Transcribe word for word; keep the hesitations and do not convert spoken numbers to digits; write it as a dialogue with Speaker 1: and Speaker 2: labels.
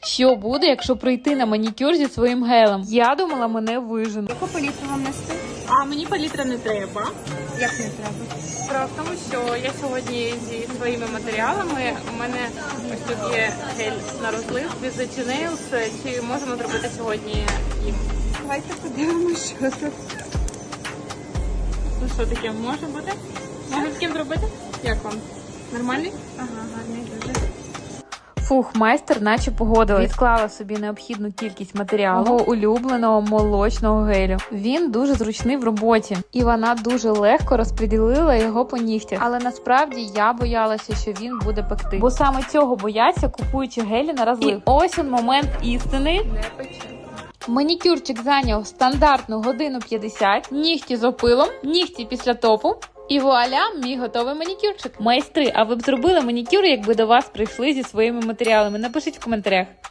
Speaker 1: Що буде, якщо прийти на манікюр зі своїм гелем? Я думала, мене виженуть.
Speaker 2: Яку палітру вам нести?
Speaker 3: А мені палітра не треба.
Speaker 2: Як не треба?
Speaker 3: Справа в тому, що я сьогодні зі своїми матеріалами, у мене ось тут є гель на розлив, Visage Nails. Чи можемо зробити сьогодні їх?
Speaker 2: Давайте подивимося, що тут.
Speaker 3: Ну що таке, може бути? Може таким зробити? Як вам? Нормальний?
Speaker 2: Ага, гарний дуже.
Speaker 1: Фух, майстер наче погодилась. Відклала собі необхідну кількість матеріалу мого улюбленого молочного гелю. Він дуже зручний в роботі. І вона дуже легко розподілила його по нігтях. Але насправді я боялася, що він буде пекти. Бо саме цього бояться, купуючи гелі на розлив. І ось він момент істини.
Speaker 3: Не пече.
Speaker 1: Манікюрчик зайняв стандартну годину п'ятдесят. Нігті з опилом, нігті після топу. І вуаля, мій готовий манікюрчик. Майстри, а ви б зробили манікюр, якби до вас прийшли зі своїми матеріалами? Напишіть в коментарях.